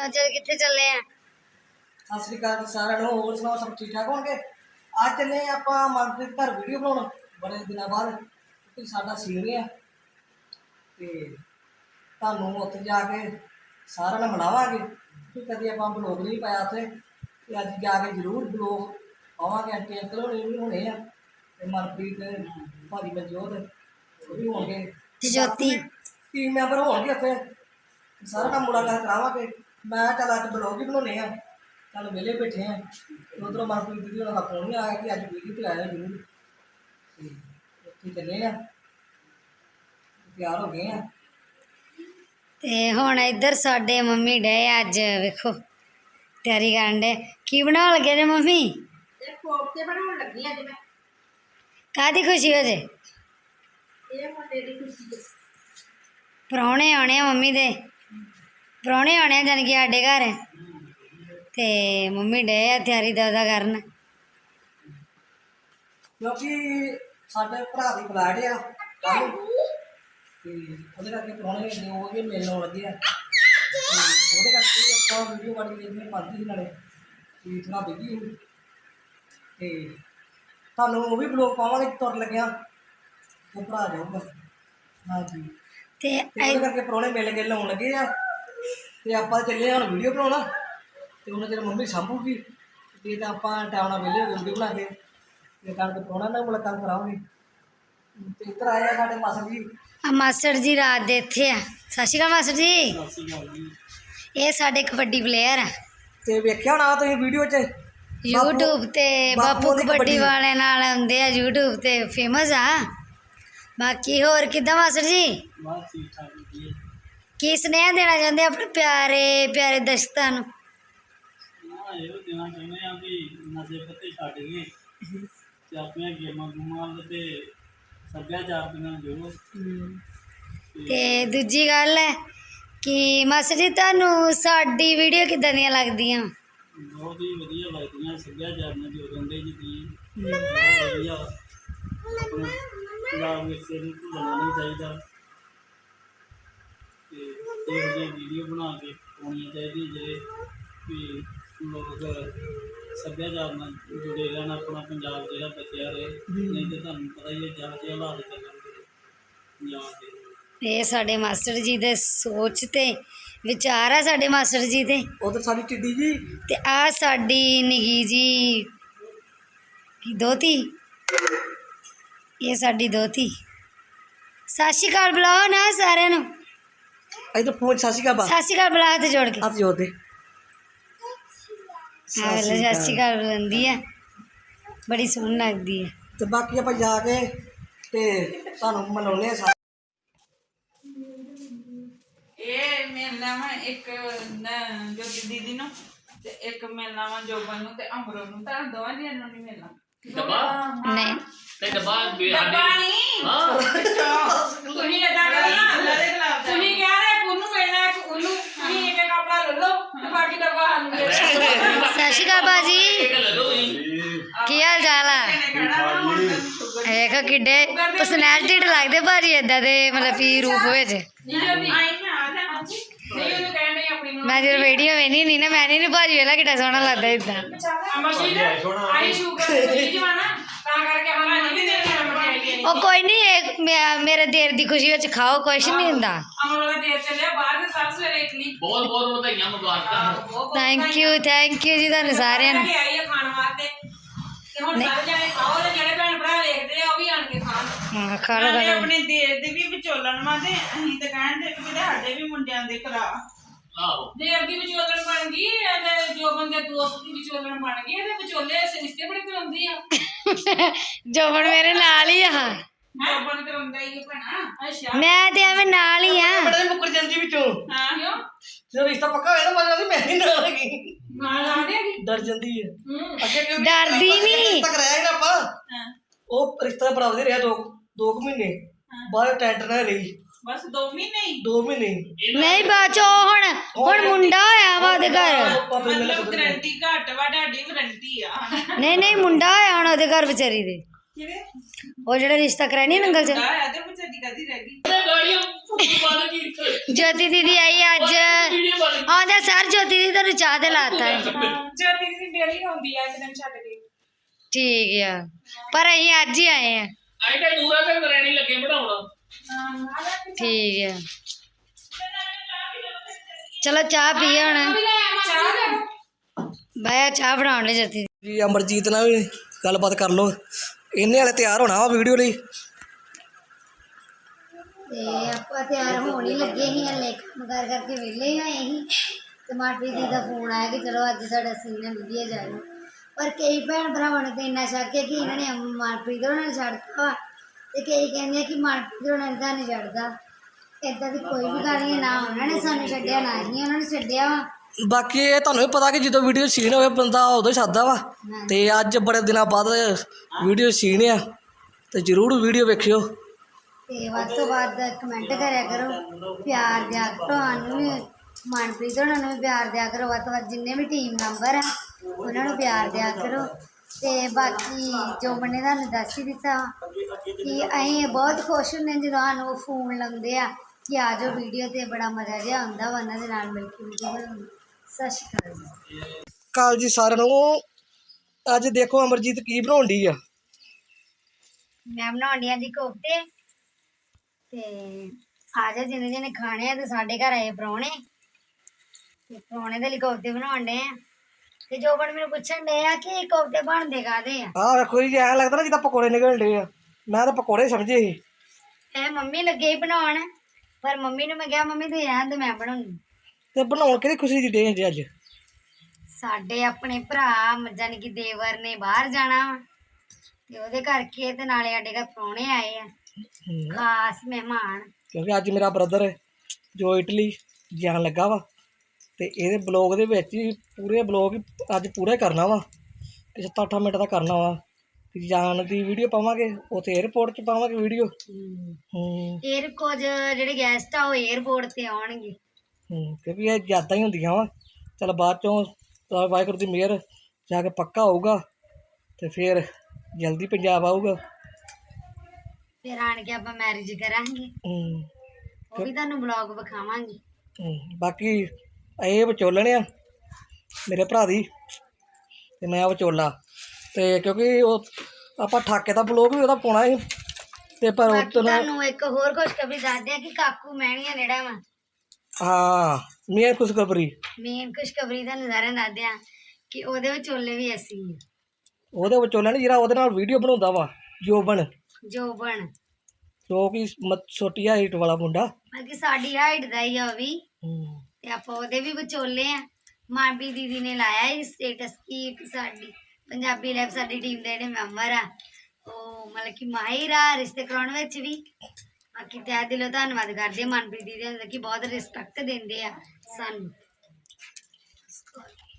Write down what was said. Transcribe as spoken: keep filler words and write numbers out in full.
चल किथे चले हैं? सत श्री अकाल जी सारे नो होर सुनाओ सब ठीक ठाक होणगे। आज चले आपां मनप्रीत घर वीडियो बनाउण बड़े दिनों बाद क्योंकि साडा सीन है ते तुहानूं उत्थे जाके सारा ने मिलावांगे कि कदी आपां ब्लॉग नहीं पाया उत्थे ते अज जाके जरूर ब्लॉग पावांगे। आंटी अंकल होने भी होने आ ते मनप्रीत भाजी मनजोत ओह भी होणगे ज्योति टीम मैंबर होणगे उत्थे सारा नाल मुलाकात करावांगे। मैं चल अज ब्लॉग ही बनाने आ चल वेले बैठे हैं उधरों मनप्रीत दीदी का फोन नहीं आया कि अज वीडियो तो आया जरूर उत्थे चले आ तैयार हो गए हैं ते हुण इधर साडे मम्मी डे अज वेखो तैयारी करन डे की बनाउण लगे जे मम्मी? कोफ्ते बनाउण लगी अज मैं। काहदी खुशी हो जे? ये मुंडे दी खुशी है। परौणे आने आ मम्मी दे परौणे आने आ जानी कि साडे घर ते मम्मी डे आ तैयारी दा ओदा करन क्योंकि साडे भरा दी फ्लैट आ कल ते ओहदे करके परौणे ने वो भी मिलण आउण लगे आ ओहदे करके आपां वीडियो बड़ी देखने पाती ही नाले कि थोड़ा बिजी हूँ ते तुहानूं वो भी ब्लॉग पावांगे तुर लग्या वो भरा जाऊगा। हाँ जी ते ते ओहदे करके परौणे मिल के लाउण लगे आ ते आपां चले हुण वीडियो बनाउण ते उन्हें चलो मम्मी सांभूगी ते आपां टाइम नाल वेले हो गए वीडियो बना के ते कल परौणा नाल मुलाकात करावांगे। ते इधर आए आ साडे मास्टर जी आ मास्टर जी रात दे इत्थे आ। सत श्री अकाल मास्टर जी। ये साडे कबड्डी प्लेयर आ ते वेख्या होना तुसीं वीडियो च यूट्यूब ते बापू बापू दी कबड्डी कबड्डी। वाले नाल आउंदे आ यूट्यूब ते फेमस आ। बाकी होर किद्दां मास्टर जी? बस ठीक ठाक जी। की स्नेहा देना चाहुंदे अपने प्यारे प्यारे दर्शकां नूं? हाँ ये देना चाहते हैं कि नशे पत्ते छड्ड गए ते अपनियां गेमां गूमां ते सभ्याचार दे नाल जुड़ो। ते दूजी गल है कि मास्टर जी तुहानूं साडी वीडियो किद्दां दियां लगदियां? बहुत ही वधिया लगदियां सभ्याचार नाल जुड़ रहिंदे जी ती बहुत वधिया अपने पंजाब विरसे नूं भुल्लना नहीं चाहिदा ते इहो जिही वीडियो बना के पाउणियां चाहिदियां जेह्ड़े कि लोग सभ्याचार नाल जुड़े रहन अपना पंजाब जेह्ड़ा बचेआ रहे नहीं तो तुहानूं पता ही है जहाँ जे हालात चलन दे पंजाब दे। ये साडे मास्टर जी दे सोच ते विचार है साडे मास्टर जी दे उधर साडी टिड्डी जी ते आ साडी निगी जी की दोती ये साडी दोती। सत श्री अकाल बुलाओ ना सारे नूं। इधर फोन सत श्री अकाल सत श्री अकाल बुला हत्थ जोड़ के। हाथ जोड़ दे हाँ वेले सत श्री अकाल बुलंदी है बड़ी सोहनी लगदी है। ते बाकी आपां जाके ते तुहानूं मिलाउने आ सारे। ਇਹ ਮਿਲਣਾ ਵਾ ਇੱਕ ਜੋਤੀ ਦੀਦੀ ਨੂੰ ਤੇ ਇੱਕ ਮਿਲਣਾ ਵਾ ਜੋਬਨ ਨੂੰ ਤੇ ਅਮਰੋ ਨੂੰ ਤਾਂ ਦੋਵਾਂ ਜੀਆਂ ਨੂੰ ਨਹੀਂ ਮਿਲਣਾ ਡੱਬਾ नहीं ਤੇ ਡੱਬਾ ਡੱਬਾ ਨਹੀਂ ਹਾਂ ਤੁਸੀਂ ਇਦਾਂ ਕਰਨਾ ਤੁਸੀਂ ਕਹਿ ਰਹੇ ਉਹਨੂੰ ਮਿਲਣਾ ਇੱਕ ਉਹਨੂੰ ਤੁਸੀਂ ਇੱਕ ਕਪੜਾ ਲੈ ਲਓ ਤੇ ਬਾਕੀ ਡੱਬਾ ਸਾਨੂੰ ਦੇ ਦਿਓ। सत श्री अकाल बाजी की हाल चाल है? देखो किड्डे पर्सनैलिटी लगदे भाजी इदां दे मतलब कि रूप विच। मैं जो वीडियो वेनी नहीं ना मैं नहीं भाजी वेला किड्डा सोहना लगदा इदां। ओ कोई नहीं मेरे देर दी खुशी विच खाओ कुछ नहीं हुंदा। बहुत बहुत ਵਧਾਈਆਂ ਮੁਬਾਰਕਾਂ। थैंक यू थैंक यू जी तुहानूं सारिਆਂ ਨੂੰ। हाँ खा लो खा लो। ਆਪਣੇ ਦੇਰ ਦੇ ਵੀ ਵਿਚੋਲਣ ਵਾ ਤੇ ਅਸੀਂ ਤੇ ਕਹਿੰਦੇ ਵੀ ਕਿਤੇ ਸਾਡੇ ਵੀ ਮੁੰਡਿਆਂ ਦੇ ਕਰਾ ਆਹੋ ਦੇਰ ਦੀ ਵਿਚੋਲਣ ਬਣ ਗਈ ਤੇ ਜੋ ਬੰਦੇ ਦੋਸਤ ਦੀ ਵਿਚੋਲਣ ਬਣ ਗਈ ਤੇ ਵਿਚੋਲੇ ਰਿਸ਼ਤੇ ਬੜੇ ਕਰਾਉਂਦੀ ਆ ਜੋਬਨ ਮੇਰੇ ਨਾਲ ਹੀ ਆ ਜੋਬਨ ਕਰਾਉਂਦਾ ਹੀ ਭਣਾ। ਅੱਛਾ ਮੈਂ ਤੇ ਐਵੇਂ ਨਾਲ ਹੀ ਆ। ਬੜੇ ਮੁੱਕਰ ਜਾਂਦੀ ਵਿੱਚੋਂ ਹਾਂ ਕਿਉਂ ਜਦੋਂ ਰਿਸ਼ਤਾ ਪੱਕਾ ਹੋਇਆ ਤਾਂ ਮਤਲਬ ਮੈਂ ਨਹੀਂ ਨਾਲ ਹੈਗੀ ਨਾਲ ਆ ਗਿਆ ਕਿ ਡਰ ਜਾਂਦੀ ਹੈ ਹੂੰ ਅੱਗੇ ਕਿਉਂ ਡਰਦੀ ਨਹੀਂ। ਤੱਕ ਰਹਿ ਨਾ ਆਪਾਂ ਹਾਂ ਉਹ ਰਿਸ਼ਤਾ ਬਰਾਬਰ ਰਿਹਾ ਦੋ ਦੋ ਕੁ ਮਹੀਨੇ ਬਾਅਦ ਟੈਂਟ ਨਾ ਰਹੀ ਬਸ ਦੋ ਮਹੀਨੇ ਹੀ ਦੋ ਮਹੀਨੇ ਨਹੀਂ ਬਾਚੋ ਹੁਣ ਹੁਣ ਮੁੰਡਾ ਹੋਇਆ ਵਾ ਉਹਦੇ ਘਰ। ਮਤਲਬ ਗਰੰਟੀ ਘੱਟ ਵਾ ਤੁਹਾਡੀ ਵਾਰੰਟੀ ਆ ਨਹੀਂ ਨਹੀਂ ਮੁੰਡਾ ਹੋਇਆ ਹੁਣ ਉਹਦੇ ਘਰ ਵਿਚਾਰੀ ਦੇ। ਕਿਵੇਂ ਉਹ ਜਿਹੜਾ ਰਿਸ਼ਤਾ ਕਰਾਇਆ ਨੀ ਨੰਗਲ ਚ ਆ ਤੇ ਵਿਚਾਰੀ ਕਦੀ ਰਹਿ ਗਈ ਗਾੜੀਆਂ ਬੰਦ ਕੀਤੀ ਜੋਤੀ ਦੀਦੀ ਆਈ ਅੱਜ ਵੀਡੀਓ ਬੰਦ ਆਉਂਦਾ ਸਰ ਜੋਤੀ ਦੀਦੀ ਤੁਹਾਨੂੰ ਚਾਹ ਤੇ ਲਾਤਾ ਹੈ ਜੋਤੀ ਦੀ ਡੇਲੀ ਆਉਂਦੀ ਆ ਇੱਕ ਦਿਨ ਛੱਡ ਕੇ ਠੀਕ ਆ ਪਰ ਅਸੀਂ ਅੱਜ ਹੀ ਆਏ ਆ ਆਈ ਤਾਂ ਦੂਰਾ ਤੇ ਨਰੈਣੀ ਲੱਗੇ ਬਣਾਉਣਾ ਠੀਕ ਆ ਚਲੋ ਚਾਹ ਪੀਏ ਹੁਣ ਬਾਇਆ ਚਾਹ ਬਣਾਉਣ ਲਈ ਜੋਤੀ ਜੀ ਅਮਰਜੀਤ ਨਾਲ ਵੀ ਗੱਲਬਾਤ ਕਰ ਲਓ ਇਹਨੇ ਵਾਲੇ ਤਿਆਰ ਹੋਣਾ ਵਾ ਵੀਡੀਓ ਲਈ ਤੇ ਆਪਾਂ ਤਿਆਰ ਹੋਣ ਹੀ ਲੱਗੇ ਸੀ ਹਲੇ ਕੰਮ ਕਰ ਕਰਕੇ ਵਿਹਲੇ ਹੀ ਹੋਏ ਸੀ ਤੇ ਮਾਟਰੀ ਦੀ ਦਾ ਫੋਨ ਆਇਆ ਕਿ ਚਲੋ ਅੱਜ ਸਾਡਾ ਸੀਨ ਵਧੀਆ ਜਾਏ ਪਰ ਕਈ ਭੈਣ ਭਰਾਵਾਂ ਨੇ ਤਾਂ ਇੰਨਾ ਸ਼ੱਕ ਹੈ ਕਿ ਇਹਨਾਂ ਨੇ ਮਨਪ੍ਰੀਤ ਹੋਣਾ ਨੂੰ ਛੱਡਤਾ ਵਾ ਤੇ ਕਈ ਕਹਿੰਦੇ ਆ ਕਿ ਮਨਪ੍ਰੀਤ ਹੋਣਾ ਨੇ ਤਾਂ ਨਹੀਂ ਛੱਡਦਾ ਏਦਾਂ ਦੀ ਕੋਈ ਵੀ ਗੱਲ ਨਹੀਂ ਨਾ ਉਹਨਾਂ ਨੇ ਸਾਨੂੰ ਛੱਡਿਆ ਨਾ ਹੀ ਉਹਨਾਂ ਨੇ ਛੱਡਿਆ ਵਾ ਬਾਕੀ ਇਹ ਤੁਹਾਨੂੰ ਵੀ ਪਤਾ ਕਿ ਜਦੋਂ ਵੀਡੀਓ ਸੀਨ ਹੋਵੇ ਬੰਦਾ ਉਦੋਂ ਹੀ ਛੱਡਦਾ ਵਾ ਤੇ ਅੱਜ ਬੜੇ ਦਿਨਾਂ ਬਾਅਦ ਵੀਡੀਓ ਸੀਨ ਆ ਤੇ ਜ਼ਰੂਰ ਵੀਡੀਓ ਵੇਖਿਓ ਤੇ ਵੱਧ ਤੋਂ ਵੱਧ ਕਮੈਂਟ ਕਰਿਆ ਕਰੋ ਪਿਆਰ ਦਿਆ ਕਰੋ ਸਾਨੂੰ ਵੀ ਮਨਪ੍ਰੀਤ ਹੋਣਾ ਨੂੰ ਵੀ ਪਿਆਰ ਦਿਆ ਕਰੋ ਵੱਧ ਤੋਂ ਵੱਧ ਜਿੰਨੇ ਵੀ ਟੀਮ ਮੈਂਬਰ ਆ ਉਹਨਾਂ ਨੂੰ ਪਿਆਰ ਦਿਆ ਕਰੋ ਤੇ ਬਾਕੀ ਜੋ ਬੰਨੇ ਤੁਹਾਨੂੰ ਦੱਸ ਹੀ ਦਿੱਤਾ ਕਿ ਅਸੀਂ ਬਹੁਤ ਖੁਸ਼ ਹੁੰਦੇ ਜਦੋਂ ਸਾਨੂੰ ਫੋਨ ਲਾਉਂਦੇ ਆ ਕਿ ਆ ਜਾਓ ਵੀਡੀਓ ਤੇ ਬੜਾ ਮਜ਼ਾ ਜਿਹਾ ਆਉਂਦਾ ਵਾ ਉਹਨਾਂ ਦੇ ਨਾਲ ਮਿਲ ਕੇ ਵੀਡੀਓ ਬਣਾਉਣੀ ਸਤਿ ਸ਼੍ਰੀ ਅਕਾਲ ਜੀ ਕਾਲ ਜੀ ਸਾਰਿਆਂ ਨੂੰ ਅੱਜ ਦੇਖੋ ਅਮਰਜੀਤ ਕੀ ਬਣਾਉਣ ਡਈ ਆ ਮੈਂ ਬਣਾਉਣੀ ਆ ਜੀ ਕੋਫਤੇ ਤੇ ਆ ਜਾ ਜਿਹਨੇ ਜਿਹਨੇ ਖਾਣੇ ਆ ਤੇ ਸਾਡੇ ਘਰ ਆਏ ਪ੍ਰਾਹੁਣੇ ਤੇ ਪ੍ਰਾਹੁਣੇ ਦੇ ਲਈ ਕੋਫਤੇ ਬਣਾਉਣ ਡੇ ਆ ਤੇ ਜੋ ਬਣ ਮੈਨੂੰ ਪੁੱਛਣ ਡੇ ਆ ਕਿ ਕੋਫਤੇ ਬਣਦੇ ਕਾਹਦੇ ਆ ਆਹ ਵੇਖੋ ਜੀ ਐਂ ਲੱਗਦਾ ਨਾ ਜਿੱਦਾਂ ਪਕੌੜੇ ਨਿਕਲਣ ਡੇ ਆ ਮੈਂ ਤਾਂ ਪਕੌੜੇ ਸਮਝੇ ਸੀ ਇਹ ਮੰਮੀ ਲੱਗੇ ਹੀ ਬਣਾਉਣ ਪਰ ਮੰਮੀ ਨੂੰ ਮੈਂ ਕਿਹਾ ਮੰਮੀ ਤੂੰ ਰਹਿਣ ਦੇ ਮੈਂ ਬਣਾਉਂਗੀ ਤੇ ਬਣਾਉਣ ਕਿਹੜੀ ਖੁਸ਼ੀ ਦੀ ਡੇ ਜੀ ਅੱਜ ਸਾਡੇ ਆਪਣੇ ਭਰਾ ਜਾਣੀ ਕਿ ਦੇਵਰ ਨੇ ਬਾਹਰ ਜਾਣਾ ਵਾ ਤੇ ਉਹਦੇ ਕਰਕੇ ਤੇ ਨਾਲੇ ਸਾਡੇ ਘਰ ਪ੍ਰਾਹੁਣੇ ਆਏ ਆ ਖਾਸ ਮਹਿਮਾਨ ਕਿਉਂਕਿ ਅੱਜ ਮੇਰਾ ਬ੍ਰਦਰ ਜੋ ਇਟਲੀ ਜਾਣ ਲੱਗਾ ਵਾ ਤੇ ਇਹਦੇ ਬਲੌਗ ਦੇ ਵਿੱਚ ਹੀ ਪੂਰੇ ਬਲੌਗ ਅੱਜ ਪੂਰਾ ਹੀ ਕਰਨਾ ਵਾ ਕਿ ਸੱਤ ਅੱਠ ਮਿੰਟ ਦਾ ਕਰਨਾ ਵਾ ਤੇ ਜਾਣ ਦੀ ਵੀਡੀਓ ਪਾਵਾਂਗੇ ਉੱਥੇ 에ਅਰਪੋਰਟ 'ਚ ਪਾਵਾਂਗੇ ਵੀਡੀਓ ਹੂੰ ਏਅਰ ਕੁਝ ਜਿਹੜੇ ਗੈਸਟ ਆ ਉਹ 에ਅਰਪੋਰਟ ਤੇ ਆਉਣਗੇ ਹੂੰ ਕਿਉਂਕਿ ਇਹ ਯਾਦਾਂ ਹੀ ਹੁੰਦੀਆਂ ਵਾ ਚਲ ਬਾਅਦ ਚੋਂ ਤਾਂ ਵਾਹਿਗੁਰੂ ਦੀ ਮਿਹਰ ਜਾ ਕੇ ਪੱਕਾ ਹੋਊਗਾ ਤੇ ਫਿਰ ਜਲਦੀ ਪੰਜਾਬ ਆਊਗਾ ਫਿਰ ਆਣ ਕੇ ਆਪਾਂ ਮੈਰਿਜ ਕਰਾਂਗੇ ਹੂੰ ਉਹ ਵੀ ਤੁਹਾਨੂੰ ਬਲੌਗ ਵਿਖਾਵਾਂਗੇ ਹੂੰ ਬਾਕੀ ਇਹ ਵਿਚੋਲਣ ਆ ਮੇਰੇ ਭਰਾ ਦੀ ਤੇ ਮੈਂ ਵਿਚੋਲਾ ਤੇ ਕਿਉਂਕਿ ਉਹ ਆਪਾਂ ਠਾਕੇ ਦਾ ਬਲੌਗ ਵੀ ਉਹਦਾ ਪਾਉਣਾ ਸੀ ਤੇ ਪਰ ਬਾਕੀ ਉਤੋਂ ਤੁਹਾਨੂੰ ਇੱਕ ਹੋਰ ਖੁਸ਼ਖਬਰੀ ਦੱਸਦੇ ਆ ਕਿ ਕਾਕੂ ਮਹਿਣੀਆਂ ਜਿਹੜਾ ਵਾ ਹਾਂ ਮੀਆਂ ਖੁਸ਼ਖਬਰੀ ਮੇਨ ਖੁਸ਼ਖਬਰੀ ਦਾ ਨਜ਼ਾਰਾ ਦੱਸਦੇ ਆ ਕਿ ਉਹਦੇ ਵਿਚੋਲੇ ਵੀ ਅਸੀਂ ਆ। ਉਹਦੇ ਵਿਚੋਲਣ ਜਿਹੜਾ ਉਹਦੇ ਨਾਲ ਵੀਡੀਓ ਬਣਾਉਂਦਾ ਵਾ ਜੋਬਨ ਜੋਬਨ ਜੋ ਕਿ ਮ- ਛੋਟੀ ਹਾਈਟ ਵਾਲਾ ਮੁੰਡਾ ਬਾਕੀ ਸਾਡੀ ਹਾਈਟ ਦਾ ਹੀ ਆ ਉਹ ਵੀ ਹੂੰ ਤੇ ਆਪਾਂ ਉਹਦੇ ਵੀ ਵਿਚੋਲੇ ਆ ਮਾਨਪੀ ਦੀਦੀ ਨੇ ਲਾਇਆ ਇਹ ਸਟੇਟਸ ਕੀ ਸਾਡੀ ਪੰਜਾਬੀ ਲਾਈਫ ਸਾਡੀ ਟੀਮ ਦੇ ਜਿਹੜੇ ਮੈਂਬਰ ਆ ਉਹ ਮਤਲਬ ਕਿ ਮਾਹਿਰ ਆ ਰਿਸ਼ਤੇ ਕਰਾਉਣ ਵਿੱਚ ਵੀ ਬਾਕੀ ਤਹਿ ਦਿਲੋਂ ਧੰਨਵਾਦ ਕਰਦੇ ਆ ਮਨਪ੍ਰੀਤ ਦੀਦੀ ਦਾ ਕਿ ਬਹੁਤ ਰਿਸਪੈਕਟ ਦਿੰਦੇ ਆ ਸਾਨੂੰ